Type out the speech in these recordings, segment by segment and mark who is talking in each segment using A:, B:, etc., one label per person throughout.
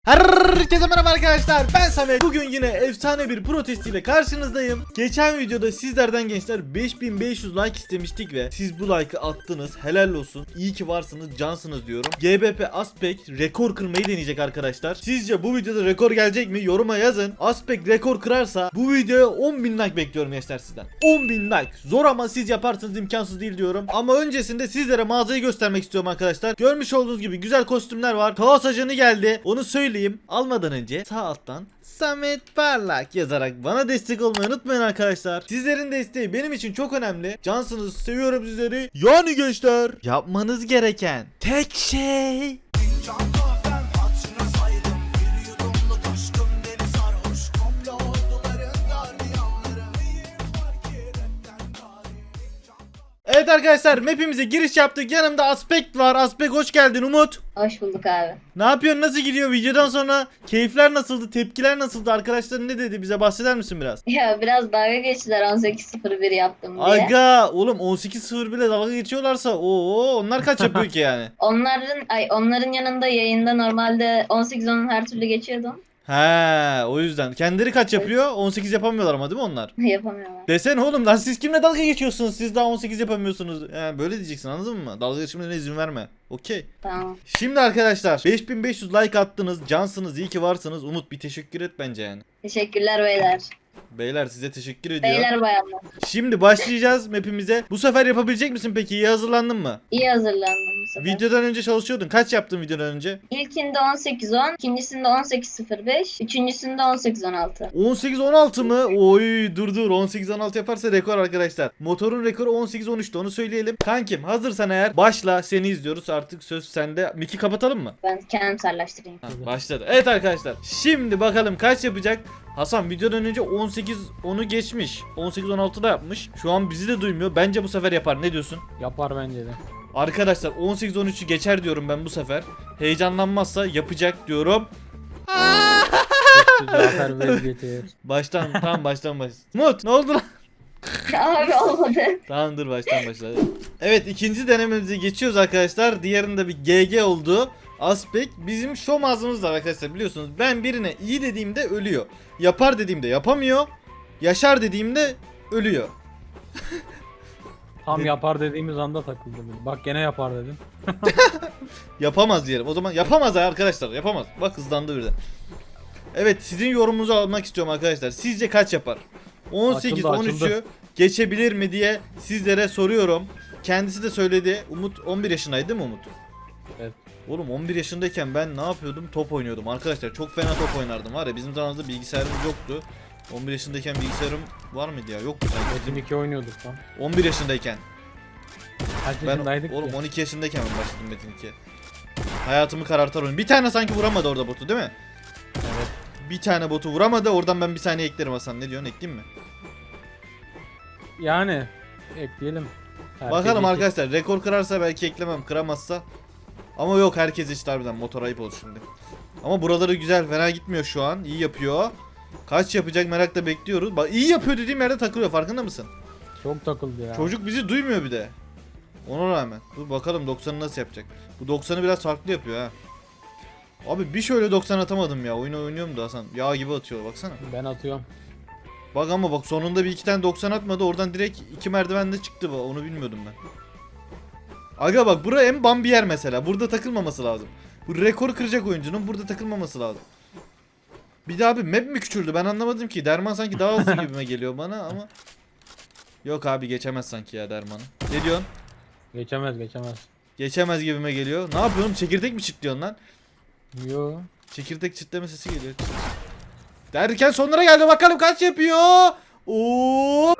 A: Herkese merhaba arkadaşlar, ben Samet. Bugün yine efsane bir protest ile karşınızdayım. Geçen videoda sizlerden gençler 5500 like istemiştik ve siz bu like'ı attınız. Helal olsun, iyi ki varsınız, cansınız diyorum. GBP Aspek rekor kırmayı deneyecek arkadaşlar. Sizce bu videoda rekor gelecek mi? Yoruma yazın. Aspek rekor kırarsa bu videoya 10.000 like bekliyorum gençler sizden. 10.000 like zor ama siz yaparsınız, imkansız değil diyorum. Ama öncesinde sizlere mağazayı göstermek istiyorum arkadaşlar. Görmüş olduğunuz gibi güzel kostümler var. Kaos ajanı geldi, onu söyleyeyim. Almadan önce sağ alttan Samet Parlak yazarak bana destek olmayı unutmayın arkadaşlar. Sizlerin desteği benim için çok önemli. Cansınız, seviyorum sizleri. Yani gençler, yapmanız gereken tek şey evet arkadaşlar, map'imize giriş yaptık. Yanımda Aspek var. Aspek hoş geldin. Umut.
B: Hoş bulduk abi.
A: Ne yapıyorsun? Nasıl gidiyor? Videodan sonra keyifler nasıldı? Tepkiler nasıldı? Arkadaşlar ne dedi? Bize bahseder misin biraz?
B: Ya biraz dalga geçtiler 18.01 yaptım diye.
A: Aga oğlum 18.0 bile dalga geçiyorlarsa onlar kaç yapıyor ki yani?
B: Onların yanında yayında normalde 18.10'un her türlü geçiyordum.
A: He, o yüzden. Kendileri kaç yapıyor? 18 yapamıyorlar ama değil mi onlar?
B: Yapamıyorlar.
A: Desene oğlum lan, siz kimle dalga geçiyorsunuz? Siz daha 18 yapamıyorsunuz. Yani böyle diyeceksin, anladın mı? Dalga geçmelerine izin verme. Okey.
B: Tamam.
A: Şimdi arkadaşlar 5500 like attınız. Cansınız, iyi ki varsınız. Umut bir teşekkür et bence yani.
B: Teşekkürler beyler.
A: Beyler size teşekkür ediyor.
B: Beyler bayanlar.
A: Şimdi başlayacağız map'imize. Bu sefer yapabilecek misin peki? İyi hazırlandın mı?
B: İyi hazırlandım bu sefer.
A: Videodan önce çalışıyordun. Kaç yaptın videodan önce?
B: İlkinde 18.10, ikincisinde 18.05, üçüncüsünde 18.16.
A: 18-16 mı? Oy dur 18-16 yaparsa rekor arkadaşlar. Motorun rekoru 18-13'tü, onu söyleyelim. Kankim hazırsan eğer başla, seni izliyoruz, artık söz sende. Miki kapatalım mı?
B: Ben kendim serleştireyim.
A: Ha, başladı. Evet arkadaşlar, şimdi bakalım kaç yapacak. Hasan videodan önce 18-10'u geçmiş. 18-16 da yapmış. Şu an bizi de duymuyor. Bence bu sefer yapar. Ne diyorsun?
C: Yapar bence de.
A: Arkadaşlar 18-13'ü geçer diyorum ben bu sefer. Heyecanlanmazsa yapacak diyorum.
C: Zafer vazgeçir.
A: Baştan baştan. Umut ne oldu lan?
B: Abi olmadı.
A: Tamam dur, baştan başla. Evet, ikinci denememize geçiyoruz arkadaşlar. Diğerinde bir GG oldu. Aspek bizim şom ağzımız var arkadaşlar, biliyorsunuz. Ben birine iyi dediğimde ölüyor. Yapar dediğimde yapamıyor. Yaşar dediğimde ölüyor.
C: Tam yapar dediğimiz anda takıldı. Bak gene yapar dedim.
A: Yapamaz diyelim. O zaman yapamaz arkadaşlar, yapamaz. Bak hızlandı birden. Evet, sizin yorumunuzu almak istiyorum arkadaşlar. Sizce kaç yapar? 18-13'ü
C: Açıldı.
A: geçebilir mi diye sizlere soruyorum. Kendisi de söyledi. Umut 11 yaşındaydı değil mi Umut?
C: Evet.
A: Oğlum 11 yaşındayken ben ne yapıyordum? Top oynuyordum arkadaşlar. Çok fena top oynardım var ya. Bizim zamanımızda bilgisayarımız yoktu. 11 yaşındayken bilgisayarım var mıydı ya? Yoktu sanki.
C: Metin 2 oynuyorduk lan.
A: 11 yaşındayken.
C: Kaç
A: Ben
C: yaşındaydık
A: oğlum
C: ki?
A: 12 yaşındayken ben başladım Metin 2'ye. Hayatımı karartar oyun. Bir tane sanki vuramadı orada botu değil mi?
C: Evet.
A: Bir tane botu vuramadı. Oradan ben bir saniye eklerim Hasan. Ne diyorsun? Ekleyeyim mi?
C: Yani ekleyelim. Herkes
A: Bakalım
C: iki.
A: arkadaşlar. Rekor kırarsa belki eklemem. Kıramazsa. Ama yok, herkes işte harbiden. Motor ayıp oldu şimdi. Ama buraları güzel. Fena gitmiyor şu an. İyi yapıyor. Kaç yapacak merakla bekliyoruz. Bak iyi yapıyor dediğim yerde takılıyor. Farkında mısın?
C: Çok takıldı ya.
A: Çocuk bizi duymuyor bir de. Ona rağmen. Dur bakalım 90'ı nasıl yapacak. Bu 90'ı biraz farklı yapıyor ha. Abi bir şöyle 90 atamadım ya. Oyunu oynuyorum da Hasan. Yağ gibi atıyor baksana.
C: Ben atıyorum.
A: Bak ama bak, sonunda bir iki tane 90 atmadı. Oradan direkt iki merdivenle çıktı. Onu bilmiyordum ben. Aga bak, bura en bam bir yer mesela. Burada takılmaması lazım. Bu rekor kıracak oyuncunun burada takılmaması lazım. Bir daha abi map mi küçüldü? Ben anlamadım ki. Derman sanki daha hızlı gibime geliyor bana ama. Yok abi, geçemez sanki ya Derman'ı. Ne diyorsun?
C: Geçemez.
A: Geçemez gibime geliyor. Ne yapıyorsun? Çekirdek mi çitliyorsun lan?
C: Yo.
A: Çekirdek çitleme sesi geliyor. Derken sonlara geldi, bakalım kaç yapıyor. Oo!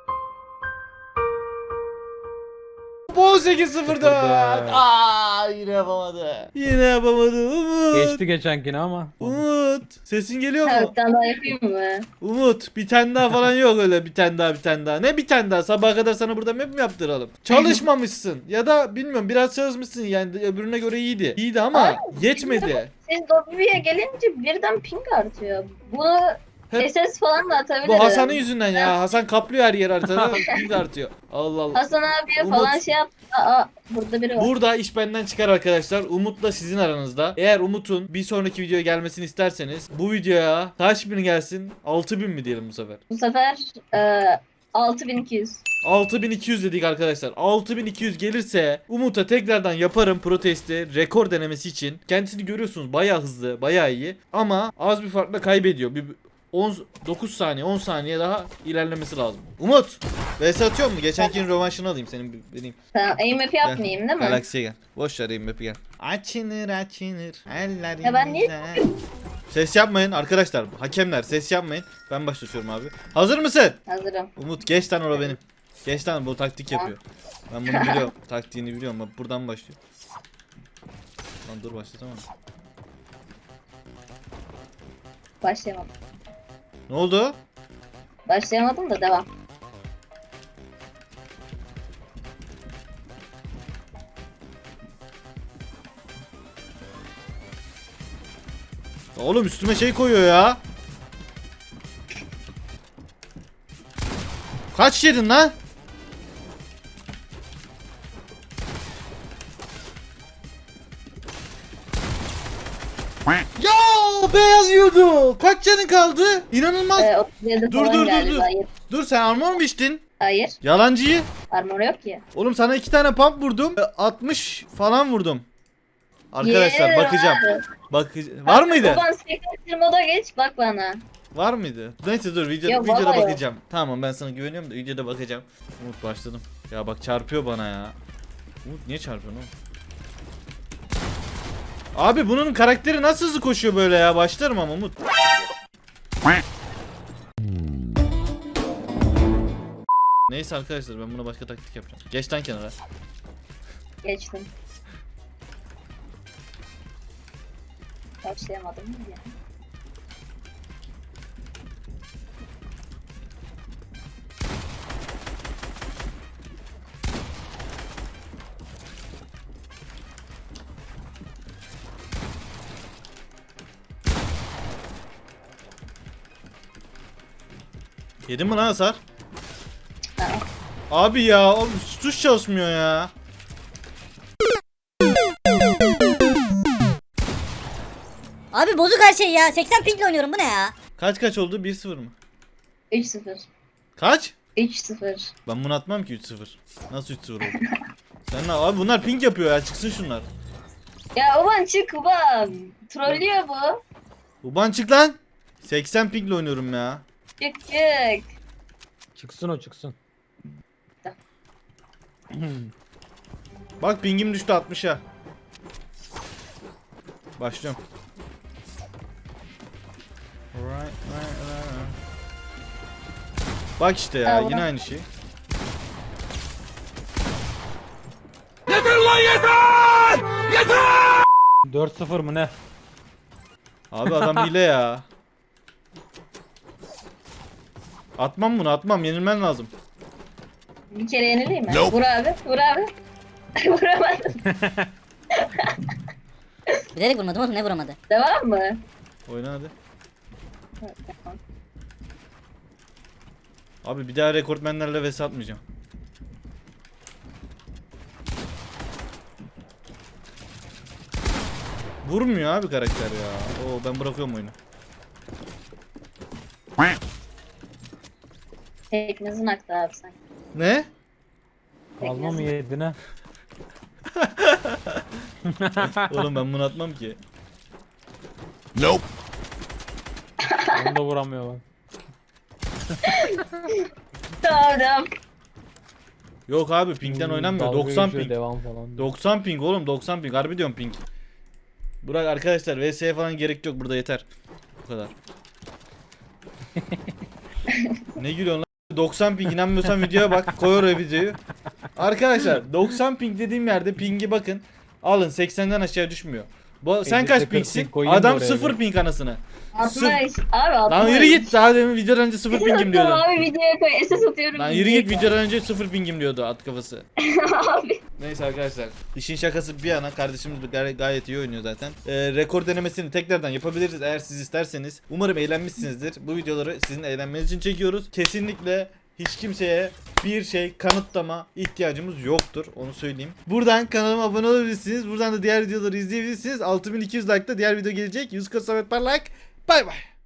A: 18-0'da. Yine yapamadı. Yine yapamadı. Umut.
C: Geçti geçenkini ama.
A: Umut. Sesin geliyor
B: Ha,
A: mu?
B: bir tane daha yapayım mı?
A: Umut, bir tane daha falan yok öyle, bir tane daha. Ne bir tane daha? Sabaha kadar sana burada map mi yaptıralım? Çalışmamışsın ya da bilmiyorum, biraz çalışmışsın yani, öbürüne göre iyiydi. İyiydi ama yetmedi.
B: Siz Dobby'ye gelince birden ping artıyor. Bunu
A: Hep
B: SS falan da atabilirim.
A: bu Hasan'ın yüzünden ya. Hasan kaplıyor her yer haritada. Ping artıyor. Allah Allah.
B: Hasan abiye
A: Umut.
B: falan şey yap. Aa, burada biri var.
A: Burada iş benden çıkar arkadaşlar. Umut'la sizin aranızda. Eğer Umut'un bir sonraki videoya gelmesini isterseniz bu videoya kaç bin gelsin? 6000 mi diyelim bu sefer?
B: Bu sefer 6200.
A: 6200 dedik arkadaşlar. 6200 gelirse Umut'a tekrardan yaparım protesti rekor denemesi için. Kendisini görüyorsunuz bayağı hızlı, bayağı iyi. Ama az bir farkla kaybediyor. Bir 9 saniye, 10 saniye daha ilerlemesi lazım. Umut! VS atıyor mu? Geçenkinin rövanşını alayım senin benim.
B: Tamam, aim map yapmayayım değil mi?
A: Galaksiye gel. Boş ver map'i gel. Açınır eller
B: Ya ben niye-
A: inler. Ses yapmayın arkadaşlar. Hakemler ses yapmayın. Ben başlatıyorum abi. Hazır mısın?
B: Hazırım.
A: Umut geç lan orada benim. Geç lan bu taktik yapıyor. Ben bunu biliyorum. Taktiğini biliyorum. Bak buradan başlıyor. Lan dur başlatamam.
B: Başlayamadım.
A: Ne oldu?
B: Başlayamadım da devam.
A: Oğlum üstüme şey koyuyor ya. Kaç yedin lan? Ya beyaz yiyordu. Kaç canın kaldı? İnanılmaz.
B: 37
A: Dur,
B: falan
A: dur, dur,
B: galiba.
A: dur. Dur sen armor mu içtin?
B: Hayır.
A: Yalancıyı.
B: Armor yok ki.
A: Oğlum sana 2 tane pump vurdum. 60 falan vurdum. Arkadaşlar
B: Yeah.
A: bakacağım. Var mıydı?
B: Baban sekreter moda geç bak bana.
A: Var mıydı? Neyse dur
B: Yok,
A: videoda
B: vallahi yok.
A: bakacağım. Tamam ben sana güveniyorum da videoda bakacağım. Umut başladım. Ya bak çarpıyor bana ya. Umut niye çarpıyor oğlum? Abi bunun karakteri nasıl hızlı koşuyor böyle ya? Başlarım ama Umut. Neyse arkadaşlar ben buna başka taktik yapacağım. Geç lan kenara.
B: Geçtim. Başlayamadım ya.
A: Yedin mi lan hasar?
B: Aa,
A: Abi ya oğlum tuş çalışmıyor ya.
D: Abi bozuk her şey ya. 80 pingle oynuyorum bu ne ya?
A: Kaç oldu? 1-0 mı?
B: 3-0.
A: Kaç?
B: 3-0.
A: Ben bunu atmam ki 3-0. Nasıl 3-0 oldu? Sen ne abi bunlar ping yapıyor ya çıksın şunlar.
B: Ya ulan çık ulan. Trollüyor bu.
A: Uban çık lan. 80 pingle oynuyorum ya.
B: Çık çık.
C: Çıksın o çıksın.
A: Bak pingim düştü 60'a. Başlıyorum. Right. Bak işte ya
B: Tamam.
A: yine aynı şey.
C: 4-0 mı ne?
A: Abi adam hile ya. Atmam bunu atmam yenilmen lazım.
B: Bir kere yenileyim mi? Vur abi. Vur abi. Vuramadım.
D: Bilerek vurmadım oğlum, ne vuramadı?
B: Devam mı?
A: Oyna hadi.
B: Tamam.
A: Abi bir daha rekortmenlerle vs atmayacağım. Vurmuyor abi karakter ya. Oo ben bırakıyorum oyunu.
B: Teknizin aktı abi sen.
A: Ne?
C: Alma mı yedin ha?
A: Oğlum ben bunu atmam ki.
C: Onu da vuramıyor lan.
B: Tamam.
A: Yok abi pingden oynanmıyor.
C: Dalga
A: 90
C: geçiyor,
A: ping.
C: Devam falan.
A: 90 ping oğlum 90 ping. Harbi diyorum ping. Burak arkadaşlar VS'ye falan gerek yok burada yeter. Bu kadar. Ne gülüyorsun lan? 90 ping inanmıyorsan videoya bak. Koy oraya videoyu. Arkadaşlar 90 ping dediğim yerde pingi bakın. Alın 80'den aşağı düşmüyor. Sen
C: Edit'te
A: kaç
C: 40
A: pingsin?
C: ping koyayım da
A: Adam
C: oraya
A: 0
C: bir.
A: ping anasını.
B: 60.
A: Sırf-
B: Abi 60.
A: Lan yürü git, daha demin videodan önce 0 pingim diyordu.
B: Abi videoya koy. SS atıyorum.
A: Lan yürü git, videodan önce 0 pingim diyordu at kafası.
B: Abi.
A: Neyse arkadaşlar, işin şakası bir yana, kardeşimiz gayet iyi oynuyor zaten. Rekor denemesini tekrardan yapabiliriz eğer siz isterseniz. Umarım eğlenmişsinizdir. Bu videoları sizin eğlenmeniz için çekiyoruz. Kesinlikle hiç kimseye bir şey kanıtlama ihtiyacımız yoktur, onu söyleyeyim. Buradan kanalıma abone olabilirsiniz. Buradan da diğer videoları izleyebilirsiniz. 6200 like'da diğer video gelecek. Yusuf Samet Parlak. Bay bay.